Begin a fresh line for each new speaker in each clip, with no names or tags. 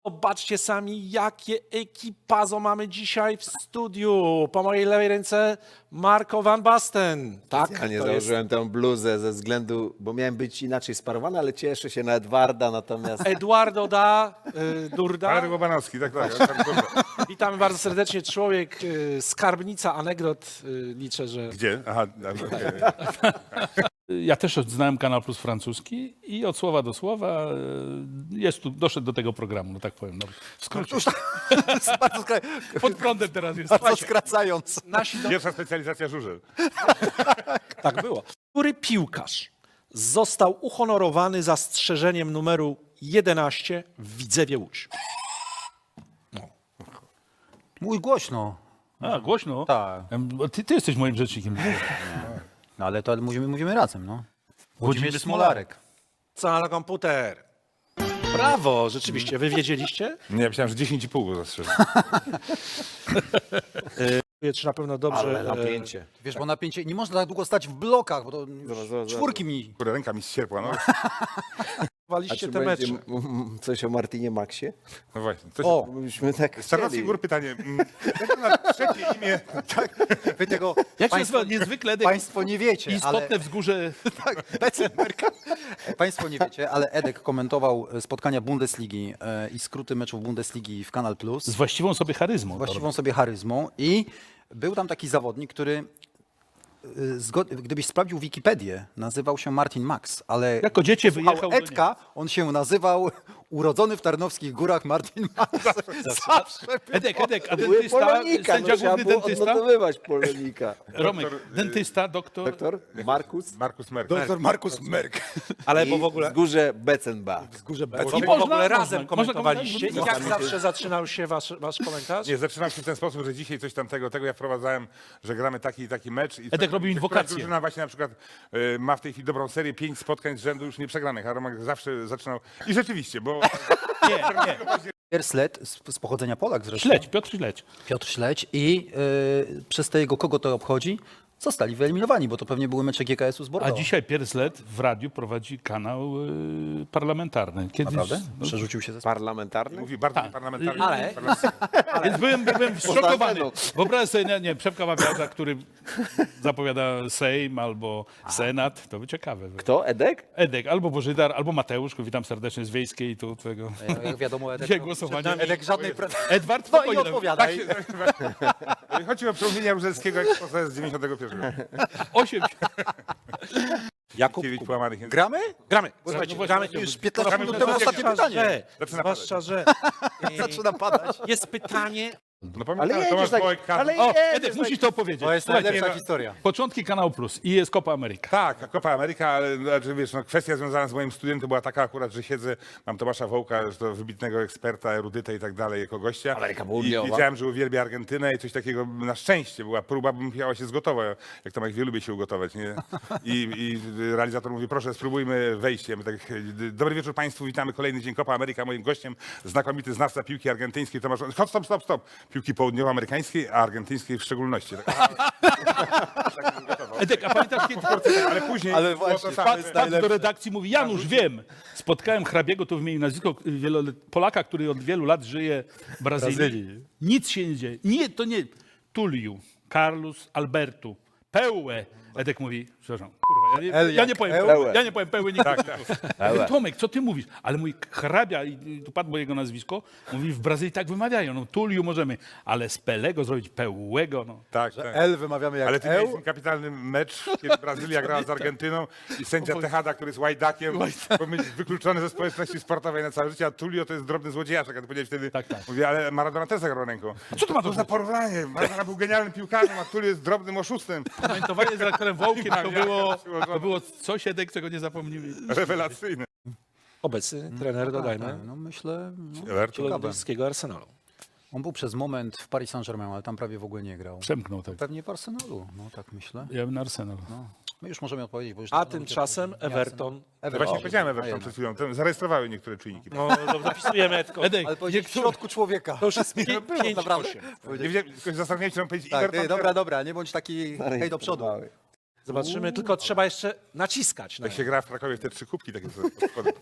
Zobaczcie sami, jakie ekipazo mamy dzisiaj w studiu. Po mojej lewej ręce Marco van Basten. Tak,
Ja nie
to
założyłem tę bluzę ze względu, bo miałem być inaczej sparowany, ale cieszę się na Edwarda, natomiast
Eduardo Durda.
Marek Łobanowski, tak. Dobrze.
Witamy bardzo serdecznie. Człowiek, skarbnica anegdot. Liczę, że...
Gdzie? Aha, okej.
Ja też znałem Kanal Plus francuski i od słowa do słowa doszedł do tego programu, no tak powiem. No, w skrócie.
bardzo,
Pod prądem teraz jest.
bardzo skracając.
Nasi
Pierwsza specjalizacja żużel.
Tak było. Który piłkarz został uhonorowany zastrzeżeniem numeru 11 w Widzewie Łódź?
Mój głośno.
A, głośno?
Tak.
Ty jesteś moim rzecznikiem.
No ale to mówimy razem, no.
Włodzimierz Smolarek.
Co na komputer? Brawo, rzeczywiście. Wy wiedzieliście?
Nie, ja myślałem, że 10,5 go zastrzeżę.
Czy na pewno dobrze...
Ale napięcie.
Wiesz, bo napięcie, nie można tak długo stać w blokach, bo to
zobacz.
czwórki mi.
Kurde, ręka mi ścierpła, no.
A
Waliście
czy
te
będzie
mecze.
coś o Martinie Maxie?
No właśnie. Coś,
O,
Myśmy tak
z Czarnowskich
chcieli.
Gór pytanie. Jak ma trzecie imię?
Wy tego
Jak się nazywa niezwykle
państwo nie wiecie,
istotne
ale
wzgórze.
państwo nie wiecie, ale Edek komentował spotkania Bundesligi i skróty meczów Bundesligi w Kanal Plus.
Z właściwą sobie charyzmą.
Właściwą sobie charyzmą i był tam taki zawodnik, który gdybyś sprawdził Wikipedię, nazywał się Martin Max, ale
Jako dziecię
słuchał
wyjechał do
Edka, on się nazywał urodzony w Tarnowskich Górach Martin Max. Zawsze
Edek, a
Były
dentysta,
Polonika,
sędzia
no trzeba
główny
było
dentysta.
odnotowywać Polonika.
Romek, dentysta, doktor.
Doktor Markus?
Markus Merk.
Doktor Markus Merk.
ale
I
bo w ogóle...
wzgórze Beckenbach.
Bo w
można,
ogóle razem
można
komentowaliście i
komentować.
jak zawsze zaczynał się wasz komentarz?
Nie, zaczynam się w ten sposób, że dzisiaj coś tamtego, tego ja wprowadzałem, że gramy taki i taki mecz. I
Edek robił inwokację.
Drużyna właśnie na przykład ma w tej chwili dobrą serię, 5 spotkań z rzędu już nie przegranych, a Romek zawsze zaczynał. I rzeczywiście, bo
Nie.
Sled z pochodzenia Polak zresztą.
Śledź, Piotr Śledź.
Piotr Śledź i przez te jego kogo to obchodzi, zostali wyeliminowani, bo to pewnie były mecze GKS-u z
A
Bordeaux.
dzisiaj Pierslet w radiu prowadzi kanał parlamentarny. Kiedyś,
Naprawdę?
no,
Przerzucił się ze
Parlamentarny?
mówi bardzo nieparlamentarnie.
Ale-
Więc byłem zszokowany.
anteną.
Wyobraź sobie, nie, Przemka Wawiarza, który zapowiada Sejm albo Senat. To by ciekawe.
Kto? Edek?
Edek, albo Bożydar, albo Mateusz, witam serdecznie z Wiejskiej, tu twojego.
Jak wiadomo, Edek,
Dzisiaj głosowanie.
Edek żadnej
Edward,
No i
spokojnie.
odpowiadaj.
Chodzi o przemówienia Jaruzelskiego jak z 91.
8.
Jakub,
Kiewicz połamanych języków.
Gramy?
gramy. Słuchajcie,
No
gramy
właśnie,
już
15 minut temu ostatnie pytanie.
Zwłaszcza, że
Zaczyna padać.
jest pytanie,
No
Ale
pamiętam,
jedziesz
Tomasz
tak,
Bołek,
ale
O,
jedziesz
Edek,
tak.
musisz to opowiedzieć.
To jest
Słuchajcie,
najlepsza
no-
historia.
początki Kanał Plus i jest Copa America.
Tak, Copa America, ale znaczy, wiesz, no, kwestia związana z moim studiem to była taka akurat, że siedzę, mam Tomasza Wołka, że to wybitnego eksperta, erudyta i tak dalej, jako gościa.
Ameryka
I
Południowa.
wiedziałem, że uwielbia Argentynę i coś takiego, na szczęście była próba, bym musiała się zgotować, jak Tomek wie, lubię się ugotować, nie? I realizator mówi, proszę, spróbujmy wejście. My tak, dobry wieczór Państwu, witamy, kolejny dzień Copa America, moim gościem znakomity znawca piłki argentyńskiej, Tomasz, stop, piłki południowoamerykańskiej, a argentyńskiej w szczególności. Tak,
Edek, a pamiętasz kiedy
ale później
Ale
było
właśnie,
to samo.
wpadł do redakcji, mówi Janusz, wiem, spotkałem hrabiego, to wymienił nazwisko Polaka, który od wielu lat żyje w Brazylii. Nic się nie dzieje. Nie, to nie. Tuliu, Carlos Alberto, Pełe. Edek mówi, przepraszam, kurwa, ja nie powiem Pełe. Ja nie powiem Pełe nigdy. Ja mówię, Tomek, co ty mówisz? Ale mój hrabia, i tu padło jego nazwisko, mówi, w Brazylii tak wymawiają, no Tuliu możemy, ale z Pelego zrobić Pełego, no.
Tak, tak.
L wymawiamy jak
Ale ty miałeś
Eł.
ten kapitalny mecz, kiedy Brazylia grała z Argentyną i sędzia Tejada, który jest łajdakiem, powinien być wykluczony ze społeczności sportowej na całe życie, a Tulio to jest drobny złodziejaszek. A ty powiedziałeś wtedy,
Tak, tak.
mówię, ale Maradona też zagrał ręką.
Co to ma do
za porównanie? Maradona był genialnym piłkarzem, a Tulio jest drobnym oszustem.
Komentowanie z redaktorem Wołkiem to było coś, Edek, czego nie zapomnimy.
Rewelacyjny.
obecny trener, dodajmy,
No myślę, no,
Everton.
londyńskiego Arsenalu.
on był przez moment w Paris Saint-Germain, ale tam prawie w ogóle nie grał.
Przemknął tak.
Pewnie w Arsenalu, no tak myślę.
Ja bym na Arsenal.
My już możemy odpowiedzieć, bo już...
A tymczasem Everton.
Właśnie powiedziałem Everton przed chwilą, zarejestrowały niektóre czujniki.
No, zapisujemy Edko.
Edek,
Ale powiedzieć w środku człowieka.
To już jest
było,
5
naprawdę.
8.
Nie wiedziałem, tylko zastanawiałem się, czy mam powiedzieć
Tak,
Everton.
dobra, nie bądź taki hej do przodu.
Zobaczymy, tylko trzeba jeszcze naciskać.
Jak się gra w Krakowie w te 3 kubki takie spody.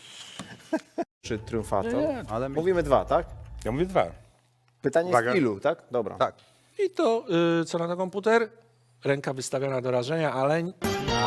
Czy triumfator?
Ale
Mówimy 2, tak?
Ja mówię 2.
Pytanie
Uwaga.
z ilu, tak? Dobra.
tak.
I to co na komputer? Ręka wystawiona do rażenia, ale nie.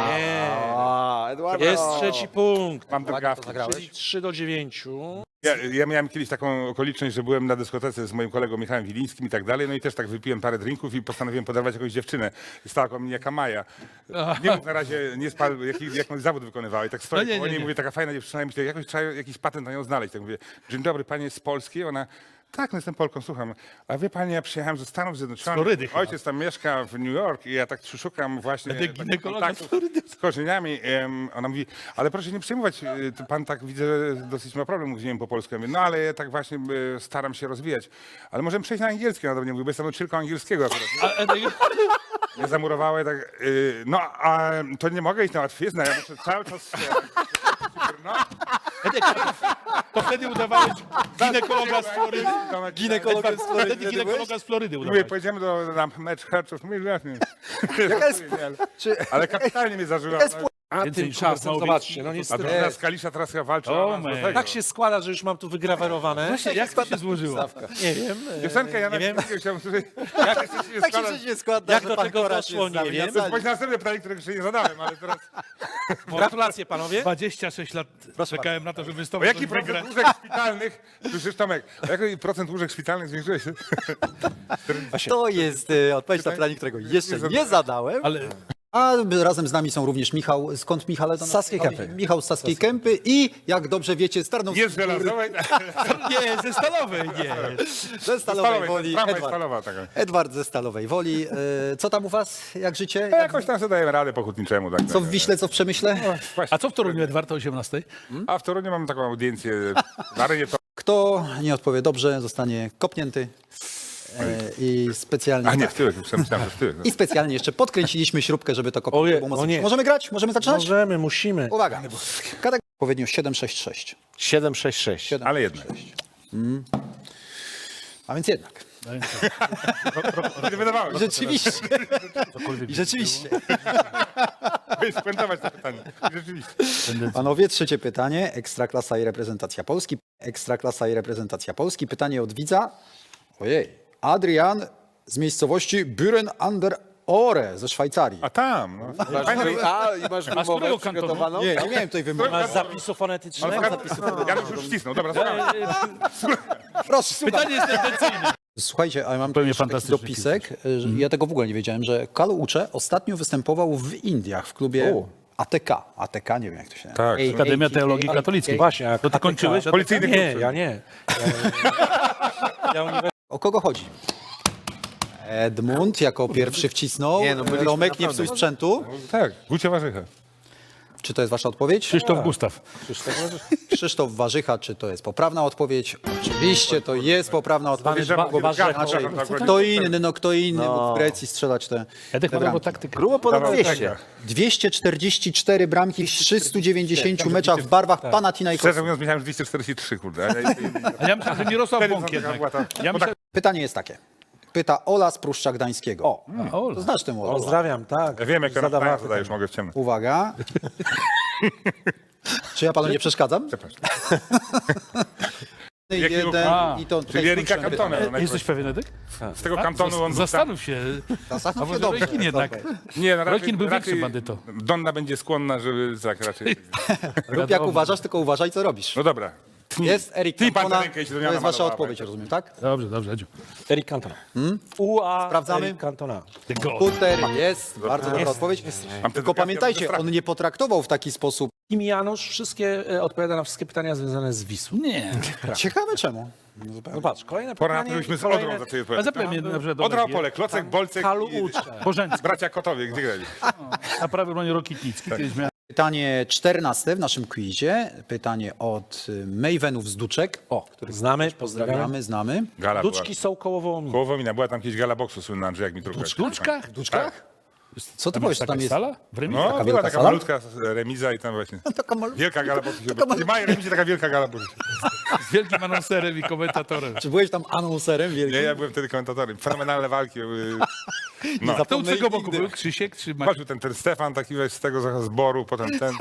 A, Eduardo.
Jest trzeci punkt.
Mam drgawki.
Czyli 3-9.
Ja miałem kiedyś taką okoliczność, że byłem na dyskotece z moim kolegą Michałem Wilińskim i tak dalej, no i też tak wypiłem parę drinków i postanowiłem podarować jakąś dziewczynę. Stała koło mnie jaka Maja. Nie mów na razie, nie spal, jaki zawód wykonywała. I tak stoję
No nie,
koło niej
nie,
i
nie.
mówię, taka fajna dziewczyna i myślę, jakoś trzeba jakiś patent na nią znaleźć. Tak mówię, dzień dobry, pani jest z Polski? Ona, tak, no jestem Polką, słucham. A wie pani, ja przyjechałem ze Stanów Zjednoczonych.
Florydy chyba.
Ojciec tam mieszka w New York i ja tak szukam właśnie
Będę
takich
ginekologa z
kontaktów
Florydy.
z korzeniami. Ona mówi, ale proszę nie przejmować, to pan tak widzę, że dosyć ma problem z po polsku. Ja mówię, no ale ja tak właśnie staram się rozwijać. Ale możemy przejść na angielski. Ona do mnie mówi, bo jestem nauczycielką angielskiego akurat. Mnie zamurowała i tak, no a to nie mogę iść na łatwiznę, ja muszę cały czas... No,
To wtedy udawałeś ginekologa z Florydy.
Ginekologiem z Florydy
Wtedy ginekologa z Florydy
mówię,
udawałeś.
pojedziemy na mecz herczów. Mówię, jasnie.
Czy,
Ale kapitalnie mnie zażyła.
A
Więcej
tymczasem,
szans
zobaczcie, no
A
niestety.
drużyna z Kalisza teraz chyba walczy
O,
o awans do
man.
tego.
Tak się składa, że już mam tu wygrawerowane.
Właśnie, jak to się złożyło?
Nie wiem.
Piosenkę ja
nie wiem.
chciałem usłyszeć.
tak się przecież nie składa,
Jak
że
do
pan
tego
Koraś
doszło,
jest z nami
nie
na
wiem.
sali.
Bądź następne pytanie, którego jeszcze nie zadałem, ale teraz...
Gratulacje panowie.
26 lat czekałem na to, żeby
O
wystąpić.
jaki procent łóżek szpitalnych, słyszysz Tomek, o jaki procent łóżek szpitalnych zwiększyłeś?
To jest odpowiedź na pytanie, którego jeszcze nie zadałem.
Ale
A razem z nami są również Michał, skąd Michał?
Z Saskiej Kępy.
Michał z Saskiej Kępy i jak dobrze wiecie, z Tarnowskiej
Jest żelazowej,
nie, ze Stalowej, nie.
ze Stalowej Woli.
Sprawa jest
Edward.
stalowa taka.
Edward ze Stalowej Woli. Co tam u was? Jak życie?
No jakoś tam sobie dajemy radę po hutniczemu. Tak,
Co w Wiśle, co w Przemyśle?
Właśnie.
A co w Toruniu, Edward, o 18?
A w Toruniu mamy taką audiencję na arenie to...
Kto nie odpowie dobrze, zostanie kopnięty. I specjalnie.
A nie, w tyłek, już myślałem, że w tyłek.
I specjalnie jeszcze podkręciliśmy śrubkę, żeby to kopnięcie
Oje,
było
o
mocno.
nie.
Możemy grać? Możemy zaczynać?
Możemy, musimy.
Uwaga. Kategoria odpowiednio 766.
766.
Ale jednak.
A więc jednak.
Wydawało się.
Rzeczywiście. I rzeczywiście.
Spuentować to pytanie. Rzeczywiście.
Panowie, trzecie pytanie. Ekstraklasa i reprezentacja Polski. Ekstraklasa i reprezentacja Polski. Pytanie od widza. Ojej. Adrian z miejscowości Büren an der Ore ze Szwajcarii.
A tam, no. Fajne,
I masz
z którego
wymowę
kantonu?
przygotowaną?
Nie miałem tutaj wymowy.
Masz zapisu fonetycznego?
Ja już wcisnął, dobra, słucham.
Proszę, słuchaj.
Pytanie jest tendencyjne.
Słuchajcie, a ja mam tu
Pewnie
jeszcze taki
fantastyczny
dopisek. Że ja tego w ogóle nie wiedziałem, że Kalu Ucze ostatnio występował w Indiach w klubie ATK. ATK, nie wiem jak to się nazywa.
Tak.
Akademia Teologii Katolickiej.
Właśnie, a
To ty kończyłeś?
Policyjny
Nie,
klub.
ja nie. Ja
O kogo chodzi? Edmund jako pierwszy wcisnął.
Nie, no byliśmy
Romek, nie
naprawdę.
psuj sprzętu.
Tak, Gucia Warzycha.
Czy to jest wasza odpowiedź?
Krzysztof Gustaw.
Krzysztof Warzycha, czy to jest poprawna odpowiedź? Oczywiście to jest poprawna odpowiedź. Kto inny mógł w Grecji strzelać te
Edek ma
bramki.
dobrą taktykę.
Grubo ponad
Dawał
200.
tego.
244 bramki w 390 meczach w barwach
Szczerze
Panathinaikosu.
mówiąc, myślałem, że 243, kurde.
A ja myślałem, że Mirosław
Wtedy
Bąk
taka
jednak.
była ta-
Ja myślałem,
Pytanie jest takie. Pyta Ola z Pruszcza Gdańskiego. O,
o,
to znasz tę Olę.
Pozdrawiam, tak.
Ja wiem, jak to
Zadawała
na zadajesz, mogę w ciemno.
Uwaga. Czy ja panu nie przeszkadzam?
Przepraszam.
Jeden
ruch?
i to
Czyli Erika Cantona.
jesteś pewien, Edek?
Z tego kantonu on
Zastanów się. A może Rojkin jednak.
Nie, no
Rojkin był
raczej
większym bandytą.
Donna będzie skłonna, żeby tak raczej.
Rób jak uważasz, tylko uważaj, co robisz.
No dobra.
Jest Erik
Tnij pan
Cantona.
na rękę i się do
To
niana
jest wasza
malowała,
odpowiedź,
tak?
rozumiem, tak?
Dobrze, dobrze, Edziu.
Eric Cantona. UA
Sprawdzamy?
Eric Cantona.
Ty go.
Puter jest, bardzo dobra odpowiedź.
Mam
Tylko pamiętajcie, on nie potraktował w taki sposób.
Kim Janusz wszystkie odpowiada na wszystkie pytania związane z Wisłą.
Nie.
Ciekawe czemu.
Zobacz, kolejne
Pora na to,
pytanie.
żebyśmy z
kolejne-
Odrą zaczęli
A
odpowiadać.
zapewne mnie na przykład
Odra Opole, Klocek, Bolcek
Kalu
i
Ucze.
Bożeński.
bracia Kotowie, gdzie grali?
A prawie broń Rokitnicki. Kiedyś miałem.
Pytanie 14 w naszym quizie. Pytanie od Mavenów z Duczek.
O, których znamy, pozdrawiamy.
Znamy.
Gala
Duczki są koło Wołominia.
Koło Womina, była tam kiedyś gala boksu słynna, Andrzej, jak mi trudno.
W Duczkach?
W Duczkach?
Co ty
Tam
powiesz,
jest
co
taka
tam jest?
sala? W Remizie?
No, była
wielka
taka
sala?
malutka remiza i tam właśnie.
Taka malutka.
Wielka gala boksu się odbyła. Nie ma remizie, taka wielka gala boksu.
Z wielkim anonserem i komentatorem.
Czy byłeś tam anonserem wielkim?
Nie, ja byłem wtedy komentatorem. Fenomenalne walki. No.
Kto u
zapomnę
tego boku
nigdy.
był? Krzysiek czy Maciek?
Patrzył ten Stefan, taki weź z tego zboru, potem ten.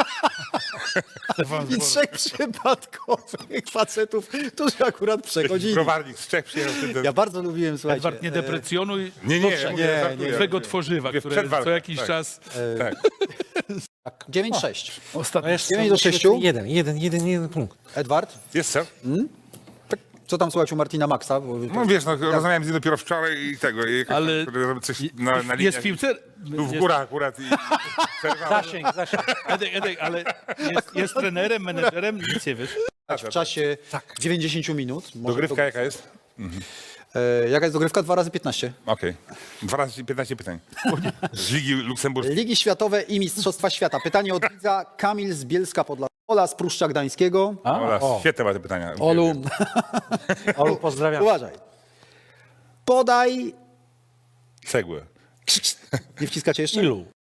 I trzech przypadkowych facetów, którzy akurat przechodzili.
Browarnik z Czech przyjechał. Ten.
Ja bardzo lubiłem, słuchajcie.
Edward, nie deprecjonuj
Nie, ja mówię,
nie,
żartuję.
twego tworzywa,
Mówię,
które
przed walką,
co jakiś
tak.
czas...
Tak.
9-6.
Ostatnio.
Jeszcze
9 do 6.
jeden punkt.
Edward,
Jest co?
co tam słuchać u Martina Maxa? Bo-
No wiesz, rozmawiałem z nim dopiero wczoraj i tego. I
Ale
coś na liniach.
jest piłce...
Tu w górach akurat. I przerwałem.
Zasięg.
Edek, ale jest trenerem, menedżerem, nic nie wiesz.
w czasie 90 minut. Może
Dogrywka jaka jest?
Jaka jest dogrywka? 2 razy 15.
Okej. 2 razy 15 pytań. Z Ligi Luksemburskiej.
Ligi Światowe i Mistrzostwa Świata. Pytanie od widza Kamil z Bielska Podlaskiego. Ola z Pruszcza Gdańskiego.
Ola, świetne ma te pytania.
Olu,
Olu, pozdrawiam.
uważaj. Podaj...
Cegłę.
Nie wciskacie jeszcze?
Ilu?